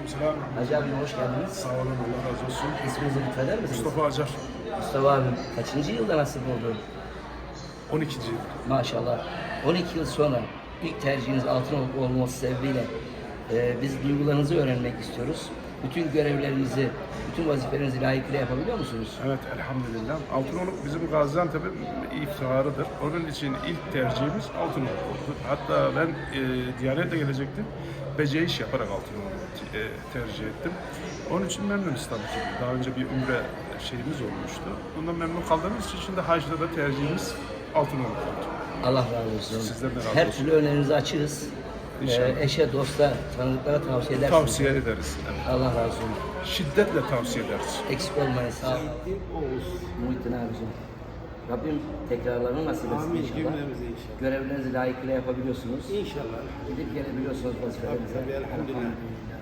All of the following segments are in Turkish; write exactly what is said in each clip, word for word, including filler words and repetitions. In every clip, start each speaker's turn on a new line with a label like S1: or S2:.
S1: Aleykümselam.
S2: Hacı abi hoş geldiniz.
S1: Sağ olun, Allah razı olsun.
S2: İsminizi lütfeder misiniz?
S1: Mustafa Acar.
S2: Mustafa abi kaçıncı yılda nasip oldu?
S1: on ikinci yıl.
S2: Maşallah. on iki yıl sonra ilk tercihiniz Altınoluk olması sebebiyle e, biz duygularınızı öğrenmek istiyoruz. Bütün görevlerinizi, bütün vazifelerinizi layıkıyla yapabiliyor musunuz?
S1: Evet, elhamdülillah. Altınoluk bizim Gaziantep'in iftiharıdır. Onun için ilk tercihimiz Altınoluk oldu. Hatta ben e, Diyanet'e gelecektim. Beceriş yaparak Altınoluk'u e, tercih ettim. Onun için memnunuz tabii ki. Daha önce bir umre şeyimiz olmuştu. Bundan memnun kaldığımız için şimdi hacda da tercihimiz Altınoluk oldu.
S2: Allah razı olsun.
S1: Sizden de razı
S2: Her
S1: olsun.
S2: türlü önerinizi açığız.
S1: İnşallah.
S2: E, eşe, dosta, tanıdıklara tavsiye edersiniz.
S1: Tavsiye ederiz. Evet.
S2: Allah razı olsun.
S1: Şiddetle tavsiye ederiz.
S2: Eksik olmayın. Sağ olun.
S3: Oğuz.
S2: Muhittin abicim. Rabbim tekrarlarını nasip etsin
S3: Amin
S2: inşallah.
S3: cümlemize inşallah.
S2: Görevlerinizi layıkıyla yapabiliyorsunuz.
S3: İnşallah.
S2: Gidip gelebiliyorsunuz vazifelerinize.
S3: Tabii, tabii, elhamdülillah.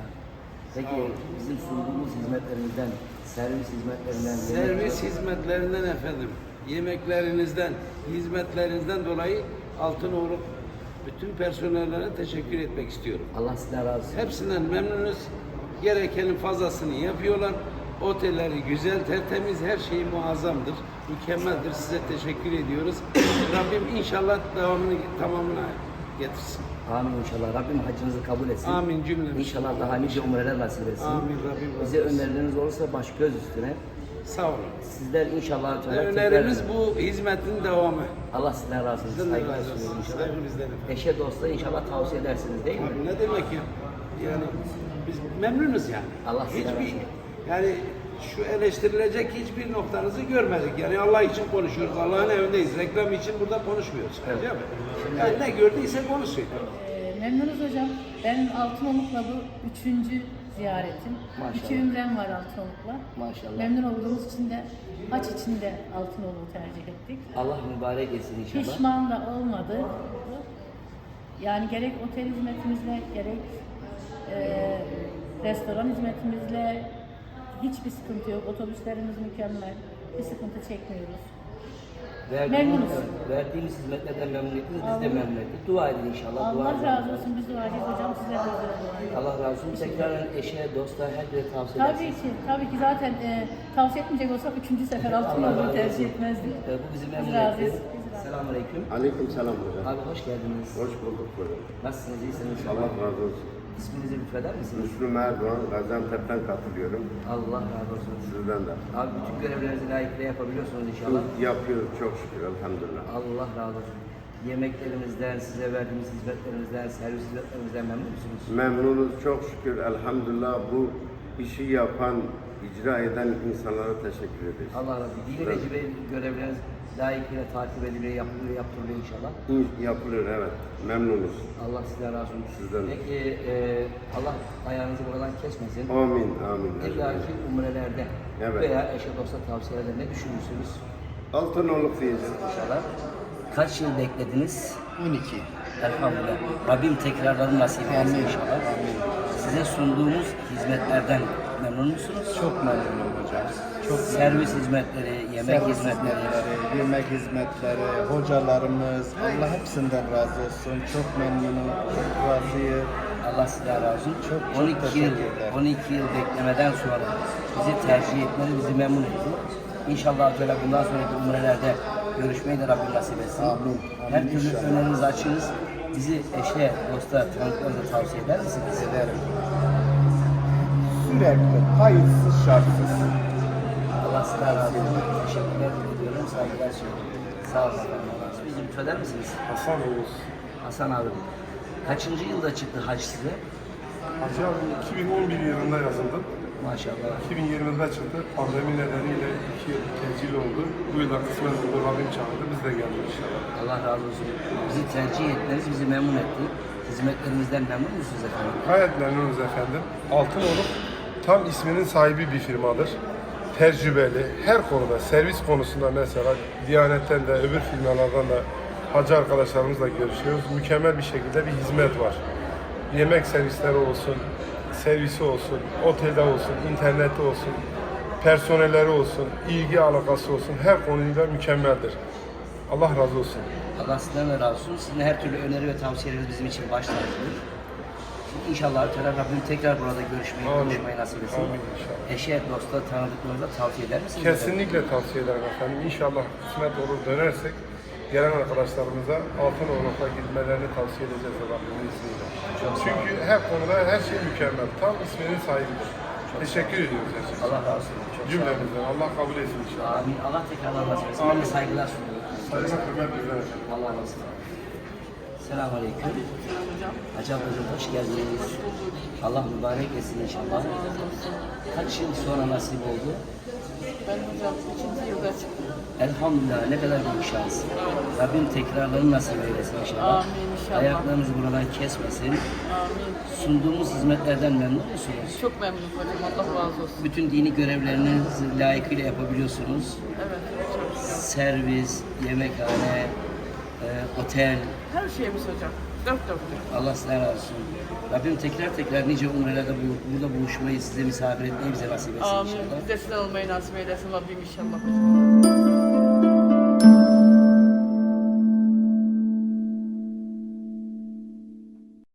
S2: Peki bizim sunduğumuz hizmetlerimizden, servis hizmetlerinden,
S3: Servis
S2: yemek-
S3: hizmetlerinden efendim, yemeklerinizden, hizmetlerinizden dolayı Altınoğlu bütün personellere teşekkür etmek istiyorum.
S2: Allah sizden razı olsun.
S3: Hepsinden memnunuz. Gerekenin fazlasını yapıyorlar. Otelleri güzel, tertemiz, her şey muazzamdır. Mükemmeldir. Size teşekkür ediyoruz. Rabbim inşallah devamını tamamına getirsin.
S2: Amin inşallah. Rabbim hacınızı kabul etsin.
S3: Amin cümlemiz.
S2: İnşallah daha nice umreler nasip etsin.
S3: Amin Rabbim.
S2: Bize önerileriniz olursa baş göz üstüne.
S3: Sağ olun.
S2: Sizler inşallah Teala
S3: Önerimiz
S2: tekrar-
S3: bu hizmetin devamı.
S2: Allah sizden razı olsun.
S3: Sizden de
S2: Saygılar
S3: razı olsun.
S2: sunuyorum inşallah.
S3: Saygı bizden efendim.
S2: Eşe dosta inşallah tavsiye edersiniz değil mi?
S3: Abi ne demek ya? Yani biz memnunuz yani.
S2: Allah sizden razı
S3: hiçbir
S2: olsun.
S3: yani şu eleştirilecek hiçbir noktanızı görmedik. Yani Allah için konuşuyoruz. Allah'ın evindeyiz. Reklam için burada konuşmuyoruz.
S2: Evet.
S3: Değil mi? Yani ne gördüyse konuşuyor.
S4: Ee, Memnunuz hocam. Benim Altınoluk'la bu üçüncü ziyaretim.
S2: Maşallah.
S4: İki ümrem var Altınoluk'la.
S2: Maşallah.
S4: Memnun olduğumuz için de haç için de Altınoluk'u tercih ettik.
S2: Allah mübarek etsin inşallah.
S4: Pişman da olmadı. Yani gerek otel hizmetimizle gerek e, restoran hizmetimizle hiçbir sıkıntı yok. Otobüslerimiz mükemmel. Bir sıkıntı çekmiyoruz.
S2: Verdiğimiz,
S4: Memnunuz.
S2: verdiğimiz hizmetlerden memnun ettiniz, biz de
S4: Allah-
S2: memnun ettik. Dua edin inşallah. dua
S4: Allah
S2: edin.
S4: razı olsun. Biz duacıyız hocam. Size de özel dua edin.
S2: Allah razı olsun. Tekrar eşe, dosta, herkese tavsiye
S4: Tabii
S2: edersiniz.
S4: ki, tabii ki zaten e, tavsiye etmeyecek olsak üçüncü sefer
S2: Allah razı
S4: Altınoluk'u
S2: olsun.
S4: tercih etmezdik.
S2: Ee, bu bizi memnun
S4: Biz razıyız.
S2: etti.
S4: Biz razıyız.
S2: Selamun Aleyküm.
S5: Aleyküm selam hocam.
S2: Abi hoş geldiniz.
S5: Hoş bulduk hocam.
S2: Nasılsınız? İyisiniz
S5: Allah
S2: inşallah.
S5: razı olsun.
S2: İsminizi lütfeder misiniz?
S5: Müslüm Erdoğan, Gaziantep'ten katılıyorum.
S2: Allah razı olsun.
S5: Sizden de.
S2: Abi bütün görevlerinizi layıkıyla yapabiliyorsunuz inşallah.
S5: Yapıyoruz çok şükür elhamdülillah.
S2: Allah razı olsun. Yemeklerimizden, size verdiğimiz hizmetlerimizden, servis hizmetlerimizden memnun musunuz?
S5: Memnunuz çok şükür elhamdülillah. Bu işi yapan, icra eden insanlara teşekkür ederiz.
S2: Allah razı olsun. Dini
S5: Evet.
S2: vecibe görevleriniz layıkıyla takip ediliyor, yapılıyor, yaptırılıyor inşallah.
S5: İn- Yapılıyor evet. Memnunuz.
S2: Allah sizden razı olsun.
S5: Sizden de.
S2: Peki e, Allah ayağınızı buradan kesmesin.
S5: Amin amin.
S2: İlla ki umrelerde
S5: Evet.
S2: veya eşe dosta tavsiyelerde ne düşünürsünüz
S5: Altınoluk diyeceğiz.
S2: inşallah? Kaç yıl beklediniz?
S6: on iki.
S2: Elhamdülillah. Rabbim tekrarlarını nasip etsin
S6: Amin.
S2: inşallah. Size sunduğumuz hizmetlerden memnun musunuz?
S6: Çok memnunum hocam. Çok
S2: Servis hizmetleri, yemek
S6: Servis
S2: hizmetleri.
S6: hizmetleri, yemek hizmetleri, hocalarımız, Allah hepsinden razı olsun. Çok memnunum, çok razıyım.
S2: Allah sizden razı olsun.
S6: Çok, çok
S2: on iki yıl,
S6: teşekkürler.
S2: on iki yıl beklemeden sonra bizi tercih etmeniz bizi memnun etti. İnşallah Teala bundan sonraki umrelerde görüşmeyi de Rabbim nasip etsin.
S6: Amin, amin
S2: Her türlü
S6: inşallah.
S2: önerinizi açığız. Bizi eşe, dosta, tanıdıklarınıza tavsiye eder misiniz?
S6: Ederim. Sürekli, kayıtsız, şartsız.
S2: Allah sizden razı olsun. Teşekkürler ediyorum. Saygılar sunuyorum. Sağ olun. Bizi lütfeder misiniz?
S1: Hasan Oğuz.
S2: Hasan abi. Kaçıncı yılda çıktı hac size?
S1: Hacı abi iki bin on bir yılında yazıldım.
S2: Maşallah.
S1: iki bin yirmide çıktı. Pandemi nedeniyle iki yıl tecil oldu. Bu yılda kısmen oldu. Rabbim çağırdı. Biz de geldik inşallah.
S2: Allah razı olsun. Bizi tercih etmeniz bizi memnun etti. Hizmetlerimizden memnun musunuz efendim?
S1: Gayet memnunuz efendim. Altınoluk tam isminin sahibi bir firmadır. Tecrübeli, her konuda, servis konusunda mesela Diyanet'ten de öbür firmalardan da hacı arkadaşlarımızla görüşüyoruz. Mükemmel bir şekilde bir hizmet var. Yemek servisleri olsun, servisi olsun, otelde olsun, internette olsun, personelleri olsun, ilgi alakası olsun, her konuyla mükemmeldir. Allah razı olsun.
S2: Allah sizden de razı olsun. Sizin her türlü öneri ve tavsiyeleriniz bizim için baş tacıdır. İnşallah Teala Rabbim tekrar burada görüşmeyi,
S1: Amin.
S2: konuşmayı nasip etsin.
S1: Amin inşallah.
S2: Eşe, dosta, tanıdıklarınıza tavsiye eder misiniz?
S1: Kesinlikle tavsiye ederim efendim. İnşallah kısmet olur dönersek gelen arkadaşlarımıza Altınoruk'a gitmelerini tavsiye edeceğiz Rabbimin izniyle. Çünkü her konuda her şey mükemmel. Tam isminin sahibidir. Teşekkür ediyoruz her şey.
S2: Allah razı olsun. Çok sağ olun.
S1: Cümlemizden. Allah kabul etsin inşallah.
S2: Amin. Allah tekrar nasip etsin. Ben de saygılar sunuyorum.
S1: Saygı hürmet bizden efendim.
S2: Allah razı olsun. Selamun Aleyküm. Hacı ablacığım hoş geldiniz. Allah mübarek etsin inşallah. Kaç yıl sonra nasip oldu?
S7: Ben hocam ikinci yılda çıktım.
S2: Elhamdülillah ne kadar büyük şans. Rabbim tekrarlarını nasip eylesin inşallah.
S7: Amin inşallah.
S2: Ayaklarınızı buradan kesmesin.
S7: Amin.
S2: Sunduğumuz hizmetlerden memnun musunuz?
S7: Çok memnunum hocam. Allah razı olsun.
S2: Bütün dini görevlerinizi layıkıyla yapabiliyorsunuz.
S7: Evet hocam.
S2: Servis, yemekhane, e, otel.
S7: Her şeyimiz hocam. Dört dörtlük.
S2: Allah sizden razı olsun. Rabbim tekrar tekrar nice umrelerde bu- burada buluşmayı, size misafir etmeyi bize nasip etsin
S7: Amin.
S2: inşallah.
S7: Biz de sizden olmayı nasip eylesin Rabbim inşallah hocam.